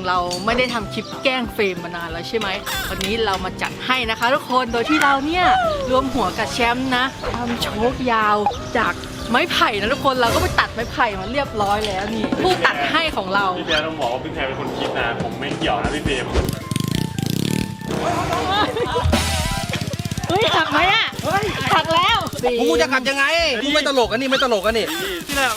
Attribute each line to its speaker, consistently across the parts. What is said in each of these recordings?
Speaker 1: เราไม่ได้ทำคลิปแกล้งเฟรมมานานแล้วใช่ไหมวันนี้เรามาจัดให้นะคะทุกคนโดยที่เราเนี่ยรวมหัวกับแชมป์นะทำโชคยาวจากไม้ไผ่นะทุกคนเราก็ไปตัดไม้ไผ่มาเรียบร้อยแล้วนี่ผู้ตัดให้ของเรา
Speaker 2: พี่แพรต้องบอกว่าพี่แพรเป็นคนคิดนะผมไม่เกี่ยวนะพี่เฟรม
Speaker 1: เฮ้ยหักไหมอ่ะหักแล้ว
Speaker 3: กูจะขับยังไงกูไม่ตลกอันนี้ไม่ตลกอันนี้
Speaker 2: ที่แล้ว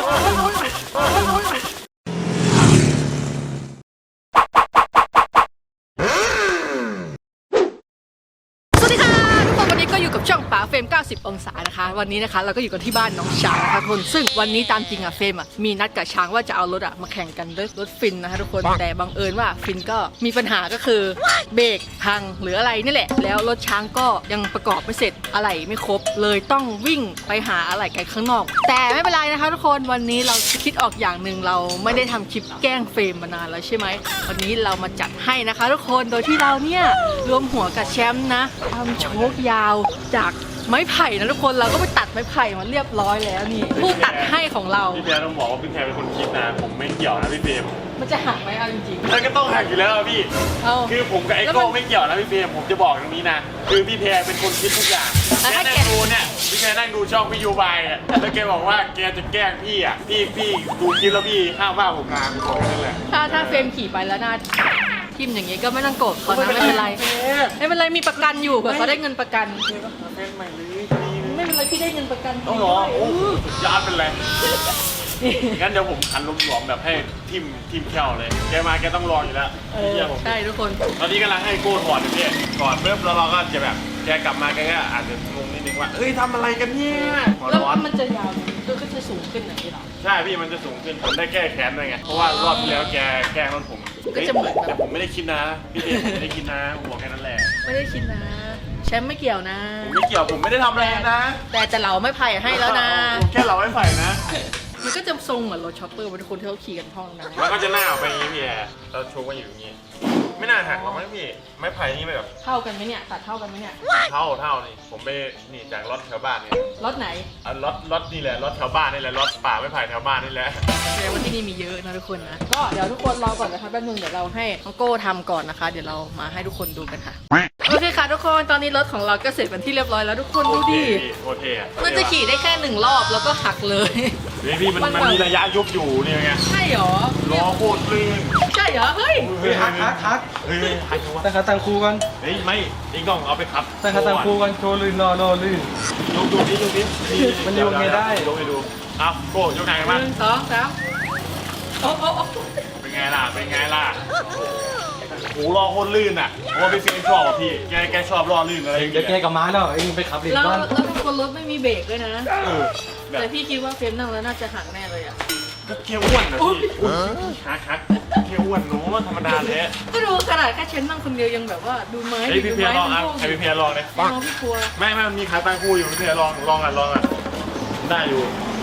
Speaker 1: ก็อยู่กับช่องป๋าเฟรม90องศานะคะวันนี้นะคะเราก็อยู่กันที่บ้านน้องช้างนะคะทุกคนซึ่งวันนี้ตามจริงอะเฟรมอะมีนัดกับช้างว่าจะเอารถอะมาแข่งกันด้วยรถฟินนะคะทุกคนแต่บังเอิญว่าฟินก็มีปัญหาก็คือเบรกพังหรืออะไรนี่แหละแล้วรถช้างก็ยังประกอบไม่เสร็จอะไหล่ไม่ครบเลยต้องวิ่งไปหาอะไหล่กันข้างนอกแต่ไม่เป็นไรนะคะทุกคนวันนี้เราคิดออกอย่างหนึ่งเราไม่ได้ทำคลิปแกล้งเฟรมมานานแล้วใช่ไหมวันนี้เรามาจัดให้นะคะทุกคนโดยที่เราเนี่ยรวมหัวกับแชมป์นะทำโชคยาวจากไม้ไผ่นะทุกคนเราก็ไปตัดไม้ไผ่มาเรียบร้อยแล้วนี่ผู้ตัดให้ของเรา
Speaker 2: พี่แพรต้องบอกว่าพี่แพรเป็นคนคิดนะผมไม่เกี่ยวนะพี่เฟรม
Speaker 1: มันจะหักไหมเอาจริง
Speaker 2: ๆมันก็ต้องหักอยู่แล้วพี่คือผมกับไอ้โก้ไม่เกี่ยวนะพี่เฟรมผมจะบอกตรงนี้นะคือพี่แพรเป็นคนคิดทุกอย่างแค่นั่งดูเนี่ยพี่แพรนั่งดูช่องพี่ยูบายอ่ะแล้วแกบอกว่าแกจะแกล้งพี่อ่ะพี่ดูคลิปแล้วพี่ห้ามว่าผมงานผมนั่นแหละ
Speaker 1: ถ้าเฟรมขี่ไปแล้วหน้าทิมอย่างงี้ก็ไม่ต้องโกรธเขานะไม่เป็นไรไม่เป็นไรมีประกันอยู่เผื่อเขาได้เงินประกันไม่เป็นไรพี่ได้เงินประกัน
Speaker 2: ต้องหรอโอ้ยอดเป็นไรงั้นเดี๋ยวผมขันลมหลวมแบบให้ทิมแค่วเลยแกมาแกต้องรออยู่แล้ว
Speaker 1: ใช่ทุกคน
Speaker 2: ตอนนี้กำลังให้โก้ถอดอยู่เนี่ยถอดเริ่มแล้วเราก็จะแบบแกกลับมาแกก็อาจจะงงนิดนึงว่าเอ้ยทำอะไรกันเนี่ย
Speaker 1: แล้วมันจะยาวก็จะสูงขึ้นอย่างนี้หรอ
Speaker 2: ใช่พี่มันจะสูงขึ้นผมได้แก้แค้นด้วยไงเพราะว่ารอบที่แล้วแกแกล้งรถผม
Speaker 1: ก็จะเหมือน
Speaker 2: แต่ผมไม่ได้คิดนะพี่เดชผมไม่ได้คิดนะผมบอกแค่นั้นแหละ
Speaker 1: ไม่ได้คิดนะแชมป์ไม่เกี่ยวนะ
Speaker 2: ผมไม่เกี่ยวผมไม่ได้ทำอะไรนะ
Speaker 1: แต่จะเหลาไม่ไผ่ให้แล้วนะ
Speaker 2: แค่เหลาไม่ไผ่นะ
Speaker 1: มันก็จะทรงเหมือนรถช็อปเปอร์เป็นคนที่เขาขี่กันท่องนะ
Speaker 2: มันก็จะหน้าออกไปอย่างนี้พี่แอร์เราโชว์กันอยู่อย่างนี้ไม่น่าหักหรอกมั้งพี่ไม้ไผ่นี่แบบ
Speaker 1: เท่ากันไหมเนี่ยตัดเท่ากันไหมเนี่ย
Speaker 2: เท่านี่ผมไปนี่จากรถแถวบ้านเนี่ย
Speaker 1: รถไหน
Speaker 2: รถนี่แหละรถแถวบ้านนี่แหละรถป่าไม้ไผ่แถวบ้านนี่แหละ
Speaker 1: แสดงว่าที่นี่มีเยอะนะทุกคนนะก็เดี๋ยวทุกคนรอก่อนนะคะแป๊บนึงเดี๋ยวเราให้น้องโก้ทำก่อนนะคะเดี๋ยวเรามาให้ทุกคนดูกันค่ะโอเคค่ะทุกคนตอนนี้รถของเราก็เสร็จเป็นที่เรียบร้อยแล้วทุกคนดูดิ
Speaker 2: โอเค
Speaker 1: มันจะขี่ได้แค่1 รอบแล้วก็หักเลย
Speaker 2: พี่มันมีระยะยุบอยู่นี่ไง
Speaker 1: ใช่หรอ
Speaker 2: ล้อโคตรลื่น
Speaker 1: ใช่เหรอเฮ้ย
Speaker 3: หัก
Speaker 2: หัก
Speaker 3: แต่ขาตังคูกัน
Speaker 2: เฮ้ยไม่อีกต้องเอาไปขับ
Speaker 3: แต่ขาตังคูกันโชว์ลื่นรอลื่น
Speaker 2: ดูดิ
Speaker 3: มันโยกไงได้
Speaker 2: ยกให้ดูเอาโก้ยกไงกันบ้าง
Speaker 1: 1 2 3โอ้
Speaker 2: เป็นไงล่ะหูล้อโคตรลื่นอ่ะเพราะว่าพี่เฟรมชอบอ่ะพี่แกชอบล้อลื่นอะไร
Speaker 3: เดี๋ยวแกกับม้าแล้วเองไปขับเล่นบ้าน
Speaker 1: แล้วทุกคนรถไม่มีเบรกด้วยนะแต่พี่คิดว่าเฟรมนั่งแล้วน่าจะหักแน่เลยอ่ะ
Speaker 2: ก็เคี้ยวอ้วนนะพี่ฮักเคี้ยวอ้วนหนูธรรมดาเลย
Speaker 1: ก็ดูขนาดแค่เชนนั่งคนเดียวยังแบบว่าดูไม้
Speaker 2: พี่เพียรลองให้พี่เพียรลองเลย
Speaker 1: พี่กลัว
Speaker 2: ไม่มันมีขาตั้งคู่อยู่พี่เพียรลองอ่ะได้อยู่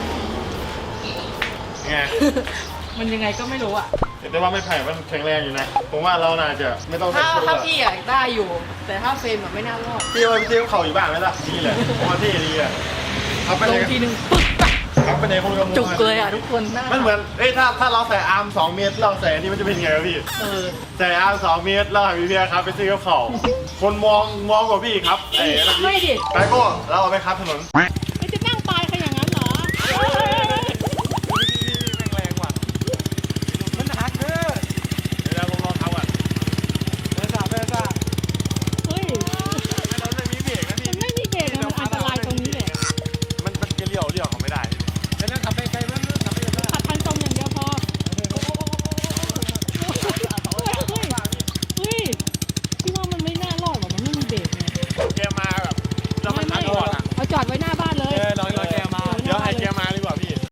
Speaker 2: ไง
Speaker 1: มันยังไงก็ไม่รู้อ่ะ
Speaker 2: แต่ว่าไม่ไผ่มันแข็งแรงอยู่นะผมว่าเราน่าจะไม่ต้อง
Speaker 1: ถ้าพี่อ่ะได้อยู่แต่ถ้าเฟรมแบบไม่น่ารอด
Speaker 2: พี่เข่าอยู่บ้านไหมล่ะนี่แหละเพราะว่าที่ดีอ่ะ
Speaker 1: เอาไปเลยทีนึงปึ๊ก
Speaker 2: ครับไปไหนคนกำลัง
Speaker 1: จุกเลยอ่ะทุกคน
Speaker 2: มันเหมือนถ้าเราใส่อาร์ม2 เมตรเราใส่นี่มันจะเป็นไงพี่ใส่อาร์ม2 เมตรแล้วพี่เพียครับไปซื้อกับเขาคนมองกว่าพี่ครับ
Speaker 1: ไม่ดิ
Speaker 2: ไปโก้เราเอาไปครับถนน
Speaker 1: ไม่จะนั่งตายขอย่างนั้นเหรอจอดไว้หน้าบ้านเลย
Speaker 2: รอแกมาเดี๋ยวให้แกมาดีกว่าพี่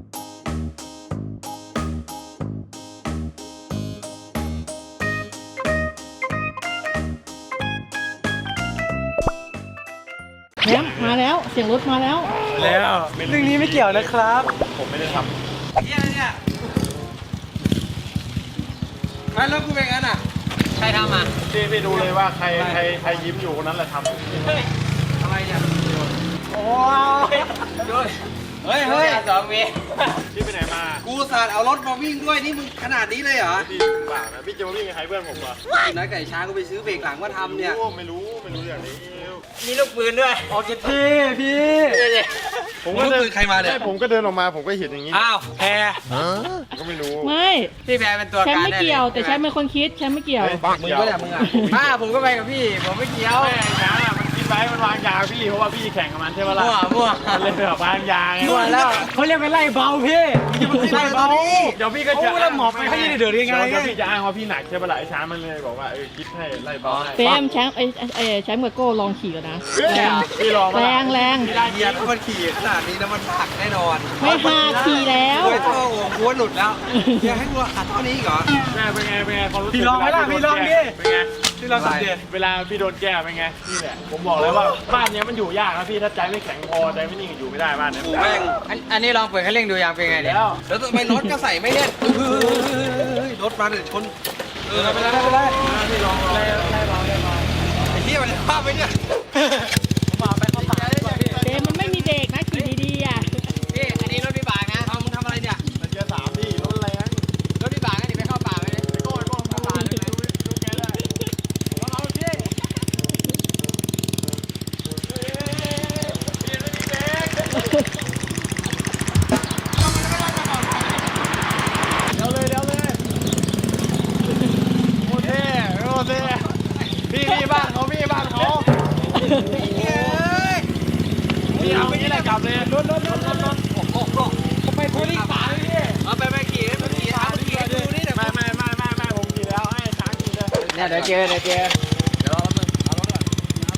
Speaker 1: แหมมาแล้วเสียงรถมาแล้ว
Speaker 3: เรื่องนี้ไม่เกี่ยวนะครับ
Speaker 2: ผมไม่ได้ท
Speaker 3: ำเนี่ยใครแล้วกูเป็นงั้นอ่ะ
Speaker 1: ใครทำอ่ะ
Speaker 2: พี่ดูเลยว่าใครยิ้มอยู่คนนั้นแหละทำ
Speaker 3: อะไรเนี่ยโอ้ยเฮ้ยเฮ้ย
Speaker 4: 2 วิ
Speaker 2: พี่ไปไหนมา
Speaker 3: กูสาดเอารถมาวิ่งด้วยนี่มึงขนาดนี้เลยเหรอ
Speaker 2: พี่เปล่านะพี่จะมาวิ่งกับใครเพื่อนผมเหรอ
Speaker 3: นัดไก่ช้างกูไปซื้อเบรกหลังมาทำเนี่ย
Speaker 2: ไม่รู้อย่างนี้
Speaker 4: มีลูกปืนด้วย
Speaker 3: ออกเจ็ดพี่พี่
Speaker 2: ผมก็เดิน
Speaker 3: ใครมาเนี่ย
Speaker 2: ผมก็เดินออกมาผมก็เห็นอย่างนี้
Speaker 3: อ้าวแพร
Speaker 2: ก็ไม่รู้
Speaker 1: ไม่
Speaker 4: พี่แพรเป็นตัว
Speaker 1: แชม
Speaker 4: การ
Speaker 1: ป์ไม่เกี่ยว แต่แชมป์เป็นคนคิดแชมป์ไม่เกี่ยว
Speaker 3: มึงก็เนี่ยมึงอ่ะ
Speaker 4: ผมก็ไปกับพี่ ผมไม่เกี่ยว
Speaker 2: แม่ช้างอ่ะมันคิดไว้มันวางยาพี่เพราะว่าพี่แข่งกับมันใช่ปะล่ะ
Speaker 4: มั่ว
Speaker 2: มันเลยแบบวางยาไง
Speaker 4: มั่วแล้ว
Speaker 3: เขาเรียกไปไล่เบาพี่ไล่เบา
Speaker 2: เดี๋ยวพี่ก็จะ
Speaker 3: โอ้แล้วหมอบไปให้เดือดยังไง
Speaker 2: เดี๋ยวพี่จะอ้างว่าพี่หนักใช่ปะล่ะไอ้ช้างมันเลยบอกว่าคิดให้ไล่บอลให้
Speaker 1: เฟมแชมป์แชมป์กับโก้ลองขี่กันนะ
Speaker 2: พี่ลอง
Speaker 1: แรงแรง
Speaker 3: ได้เหยียบมันขี่ขนาดนี้แล้วมันหักแน่นอน
Speaker 1: ไม่หาขี่แล้ว
Speaker 3: โอ้ยท่อหัวกูหลุดแล้วอย่าให้กูหักเท่านี้อีกเหรอ
Speaker 2: แม่เป็นไงความรู้สึก
Speaker 3: พี่ลองไหมล่ะพี่ลองดิ
Speaker 2: เป็นไง
Speaker 3: ที่เราสังเกต
Speaker 2: เวลาพี่โดนแก้เป็นไงนี่แหละผมบอกเลยว่าบ้านเนี้ยมันอยู่ยากนะพี่ถ้าใจไม่แข็งพอใจไม่นิ่งอยู่ไม่ได้บ้านเนี้ย
Speaker 3: กูแม่ง
Speaker 4: อันนี้ลองเปิดคันเร่งดูยังเป็นไงเนี่ย
Speaker 3: แล้วทำไมรถก็ใส่ไม่แน่นรถมาเดี๋ยวชนไม่ได้
Speaker 2: พี่ลองไล่บอล
Speaker 3: ไอ้เหี้ยมันภาพไปเนี่ย
Speaker 1: เฟมมันไม่มีเบรกนะขี่ดีๆอ่ะ
Speaker 4: พี่ อันนี้รถวิบากนะ
Speaker 3: เอามึงทำอะไรเนี่ย
Speaker 2: เกียร์3พี่รถแรง
Speaker 4: รถวิบากนะนี่ไปเข้าป่าไปเลย
Speaker 2: โก้ป่าเลยดูแกเลยเราพี่เร็วเลยโอเคพี่บ้านเขาพี่เอาไปนี่แหละกลับเลยรถไปคุยป่าเลยพี่
Speaker 3: เอาไปขี่เอาขี่ดูนี่เดี๋ยว
Speaker 2: ไม่ผมขี่แล้วให้ช้างขี่เลย
Speaker 4: เนี่ยเดี๋ยวเจอ
Speaker 3: เดี๋ยวรอแป๊บนึงเอารถก่อน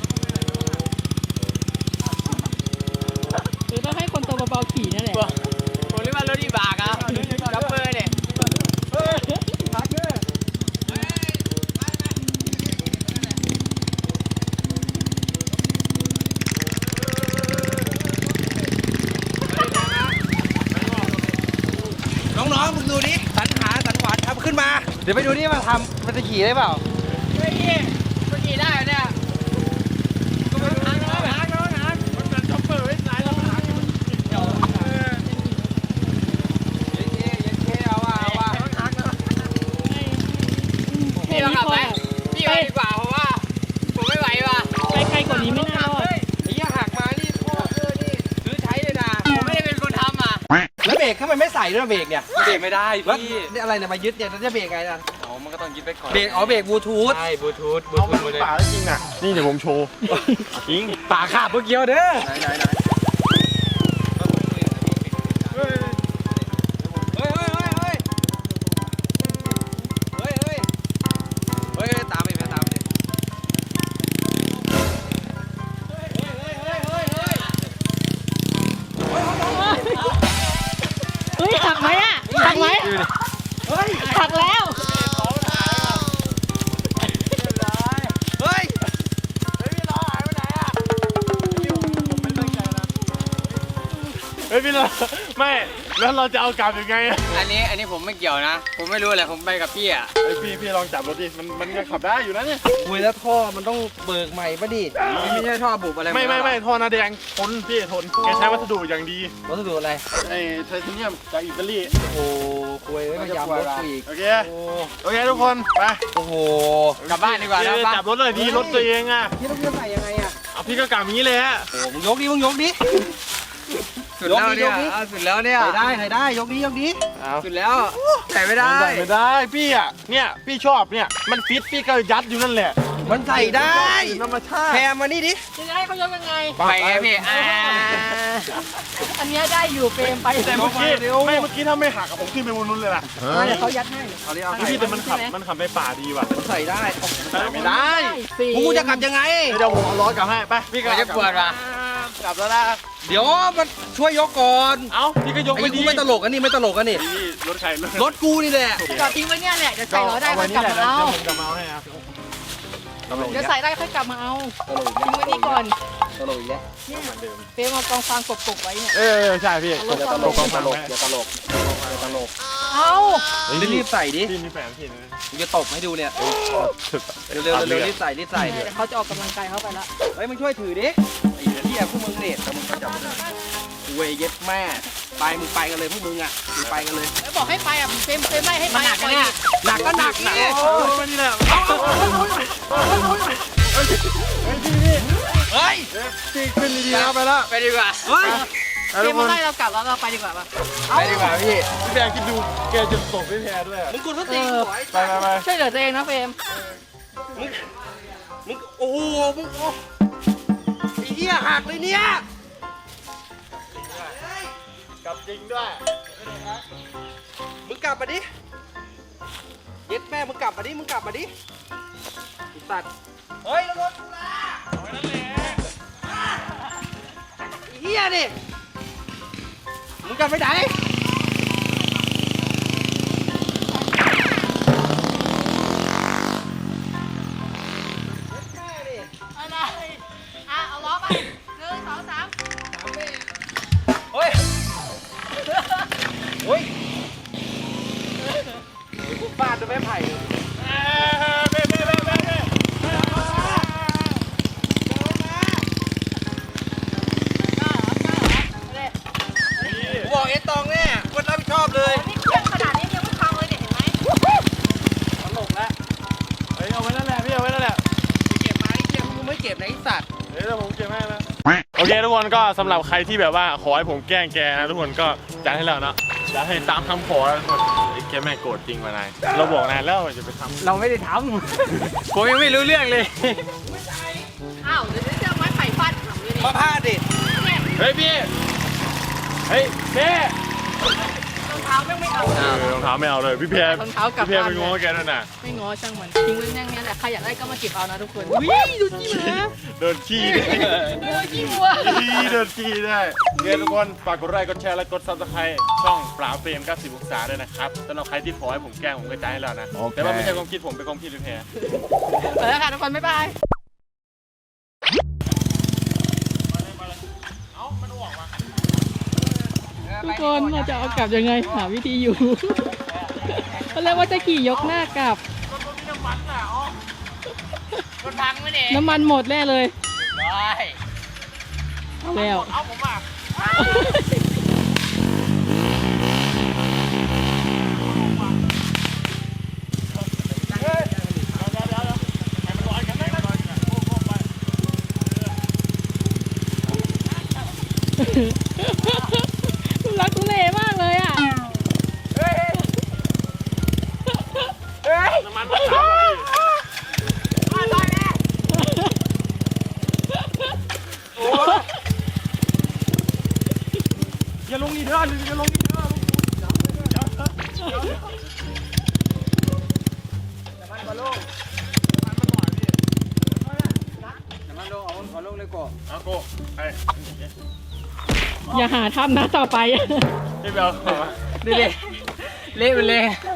Speaker 1: หรือต้องให้คนตัวเบาๆขี่นั่นแหละ
Speaker 4: ผมเรียกว่ารถวิบากอ่ะจับเบอร์เนี่ย
Speaker 2: พักเลย
Speaker 3: น้องๆมึงดูนี่สันหาสันหวานทำขึ้นมา เดี๋ยวไปดูนี่มาทำมันจะขี่ได้เปล่า
Speaker 4: เฮ้ยพี่มันขี่ได้เหรอเนี่ยก็ไม่รู้นะ
Speaker 2: มันเหมือนช็อปเปอร์ไว้สายแล้วหางมันเกี่ยว
Speaker 3: เอาว่า
Speaker 1: แค่
Speaker 4: พี่ลอง
Speaker 1: นี้
Speaker 4: ขับ
Speaker 1: พอ
Speaker 4: ไหมพี่ไปดีกว่าเพราะว่าผมไม่ไหวว่ะ
Speaker 1: ไปไกลกว่านี้ไม่น่ารอด
Speaker 3: ไอ้ยี่หักมานี่พ่อนี่ซื้อใช้เลยนะ
Speaker 4: ผมไม่ได้เป็นคนทำอ่ะ
Speaker 3: แล้วเบรกทำไมไม่ใส่ด้วยเบรกเนี่ยเบรกไม่ได้พี่นี่อะไรเนี่ยมายึดเนี่ยจะเบรกไงล่ะ
Speaker 4: อ๋อมันก็ต้องยึดไปก่อน
Speaker 3: เบรกบรกบลูทูธ
Speaker 4: ใช่บลูทูธ
Speaker 2: เอามันป่าแล้วจริงน่ะนี่เดี๋ยวผมโชว์จริง
Speaker 3: ป่าขาบเมื่อกี้เด้อไหนเฮ้ยตามไปตามไป
Speaker 1: เฮ้ยหักไหมอ่ะหักไหมหักแล้ว
Speaker 3: เฮ้ย
Speaker 2: เฮ้ยพี่เราไม่แล้วเราจะเอากลับยังไงอะ
Speaker 4: อันนี้ผมไม่เกี่ยวนะ ผมไม่รู้แหละผมไปกับพี่อ่ะ
Speaker 2: เฮ้ยพี่ลองจับรถดิมันยังขับได้อยู่นะเนี่ย
Speaker 3: คุยแล้วท่อมันต้องเบิกใหม่ป่ะดิไม่ใช่ท่อบุบอะไร
Speaker 2: ไม่ท่อหน้าแดงทนพี่ทนแกใช้วัสดุอย่างดี
Speaker 3: วัสดุอะไร
Speaker 2: ไอ้ไทเทเนียมจากอิตาลี
Speaker 3: โอ้โหคุยไม่ยำรถกูอีก
Speaker 2: โอเคทุกคนไป
Speaker 3: โอ้โห
Speaker 4: กลับบ้านดีกว่านะป้า
Speaker 2: จับรถเลยดีรถตัวเองอ่ะ
Speaker 3: พี่ต้องใส่ยังไงอ่ะ
Speaker 2: เอาพี่ก็กลับอย่างนี้เลยฮะ
Speaker 3: โอ้มึงยกดิ
Speaker 4: สุดแล้วเนี่ยสุดแล้วเนี่ย
Speaker 3: ใส่ได้ยกดิ
Speaker 2: เอา
Speaker 4: สุดแล้วแต่ไม่ได้
Speaker 2: ไม่ได้พี่อ่ะเนี่ยพี่ชอบเนี่ยมันฟิตพี่ก็ยัดอยู่นั่นแหละ
Speaker 3: มันใส่ได้
Speaker 2: ธรรมชาติ
Speaker 3: แพรมานี่ดิ
Speaker 1: จะให้เขายกยังไง
Speaker 4: ไปไงพี่
Speaker 1: อันเนี้ยได้อยู่เฟรมไป
Speaker 2: แต่เมื่อกี้ถ้าไม่หักอะผมขึ้นไปบนนู้นเลยล่ะ
Speaker 1: เดี๋ยวเขายัดให้
Speaker 3: เอาดิเอา
Speaker 2: พี่แต่มันขับไปป่าดีว่ะ
Speaker 3: ใส่ได้
Speaker 2: ไม่ได้
Speaker 3: กูจะกลับยังไง
Speaker 2: เดี๋ยวผมเอาล้อกลับให้ไปพี่
Speaker 4: ก็จะปวดว่ะ
Speaker 2: กลับแล้วนะ
Speaker 3: เดี๋ยวมันช่วยยกก่อน
Speaker 2: เอ้าพี่ก็ยก
Speaker 3: ไอ้
Speaker 2: ไป
Speaker 3: กู
Speaker 2: ดี
Speaker 3: ไม่ตลกอันนี้ไม่ตลกอันนี้
Speaker 2: พี่รถใคร
Speaker 3: รถกูนี่แหละ
Speaker 1: จอดทิ้งไว้เนี่ยแหละเดี๋ยวใส่ล้อได้ค่อยกลับมาเอา
Speaker 2: ผมกลับมาเอาให้ครับ
Speaker 1: เดี๋ยวใส่ได้ค่อยกลับมาเอาทิ้งไว้นี่ก่อน
Speaker 3: ตลกอีกแล้ว
Speaker 1: เนี่ยเฟรมเอากองฟางกบๆไว้เนี่ย
Speaker 2: ใช่พี่
Speaker 1: อย่าตลก
Speaker 3: ตลกอย่าตลก
Speaker 1: เอา
Speaker 3: รีบใส่ดิ
Speaker 2: พี่มีแฟนพี่นะ
Speaker 3: กูจะตบให้ดูเนี่ยเร็วรีบใส่
Speaker 1: เดี๋ยวเขาจะออกกำลังกายเข้าไปละ
Speaker 3: เฮ้ยมึงช่วยถือดิไอ้เหี้ยพวกมึงเนี่ยแต่มึงก็จับเวยเย็ดแม่ไปมึงไปกันเลยพวกมึงอ่ะมึงไปกันเลย
Speaker 1: แล้วบอกให้ไปอ่ะเฟรมไล่ให้ไป
Speaker 4: มันหนักนะเนี่ย
Speaker 3: หนักก็หนักนี่
Speaker 2: มานี่แหละ
Speaker 3: เฮ้ย
Speaker 2: ตีขึ้นดีๆนะไปแล้ว
Speaker 4: ไปดีกว่า
Speaker 3: เฮ้ย
Speaker 1: เฟรมมาไล่เรากลับแล้วเราไปดีกว่าปะ
Speaker 3: ไปดีกว่าพี่
Speaker 2: พี่แพรคิดดูแกจะตบพี่แพรด้วยอะ
Speaker 3: มึงกูทุกทีหัว
Speaker 2: ไป
Speaker 1: ช่วยเหลือตัวเองนะเฟรม
Speaker 3: มึงโอ้โหมึงโอ้ไอ้เหี้ยหักเลยเนี่ย
Speaker 2: กลับจริงด้วย
Speaker 3: มึงกลับมาดิเย็ดแม่มึงกลับมาดิมึงกลับมาดิไอ้สัตว์เฮ้ยระวังกูละไอ้เหี้ยนี่มึงกลับไปไหน
Speaker 1: อะไรเอาล้อไป1 2 3
Speaker 3: เฮ้ยเฮ้ยฟาดด้วยไม้ไผ่เลยกูบอกเอตองแน่คนรับผิดชอบเลย
Speaker 1: นี่เครื่องขนาดนี้ยังไม่พังเลยเนี่ยเห็นไหม
Speaker 3: ตลกแล้ว
Speaker 2: เฮ้ยเอาไว้นั่นแหละพี่เอาไว้นั่นแหละ
Speaker 3: เก็บมาไอ้เหี้ยมึงไม่เก็บนะไอ้สัตว์
Speaker 2: เดี๋ยวผมเก็บให้นะโอเคทุกคนก็สำหรับใครที่แบบว่าขอให้ผมแกล้งแกนะทุกคนก็จัดให้แล้วเนาะจัดให้ตามคำขอแล้วทุกคนไอ้แกแม่งโกรธจริงมานายเราบอกนายแล้วว่าจะไปทำ
Speaker 4: เราไม่ได้ทำ ผมยังไม่รู้เรื่องเลย
Speaker 1: อ้าวเดี๋ยวจะเอาไม้ไผ่ฟาดถังเลยดิ
Speaker 3: มาพาดดิ
Speaker 1: เนี่ย
Speaker 2: เฮ้ยพี่เฮ้ยเพ่
Speaker 1: รองเท้าไม่เอา
Speaker 2: รองเท้าไม่เอาเลยพี่แพร
Speaker 1: รองเท้ากลับ
Speaker 2: พี่แพร
Speaker 1: บ้าน
Speaker 2: ไปง้อแกด้วยนะ
Speaker 1: ไม่ง้อช่างมันทิ้งไว้อย่างเนี้ยแหละใครอยากได้ก็มาเก็บเอานะทุกคนวิ่งดูจี้มา
Speaker 2: เดินขี้ได้
Speaker 1: ขี้วัว
Speaker 2: เดินขี้ได้เพื่อนทุกคนฝากกดไลค์กดแชร์และกดซับสไครต์ช่องปราบเฟรม90องศาด้วยนะครับสำหรับใครที่ขอให้ผมแกล้งผมก็จ่ายให้แล้วนะแต่ว่าไม่ใช่ความคิดผมเป็นความคิดพี่แพร
Speaker 1: ไปแล้วค่ะทุกคนบ๊ายบายทุกคนเราจะเอากลับยังไงหาวิธีอยู่เขาเรียกว่าจะขี่ยกหน้ากลับ
Speaker 4: มันพังไหมเนี่ย
Speaker 1: น้ำมันหมดแน่เลย
Speaker 4: ได้
Speaker 1: เอาแล้ว
Speaker 2: เอาผมอ่ะ
Speaker 1: รักทุเลมากเลยอ่ะ
Speaker 2: น้ำมันมาสามอย่าลงนี่เด้ออย่าลงนี่เด้อ
Speaker 3: น้ำมันลงเอาลงเลยก่อน
Speaker 2: เอาโก้ไอ้
Speaker 1: อย่าหาทำนะต่อไป
Speaker 2: พี่เบล
Speaker 4: ดูดิเละไปเลย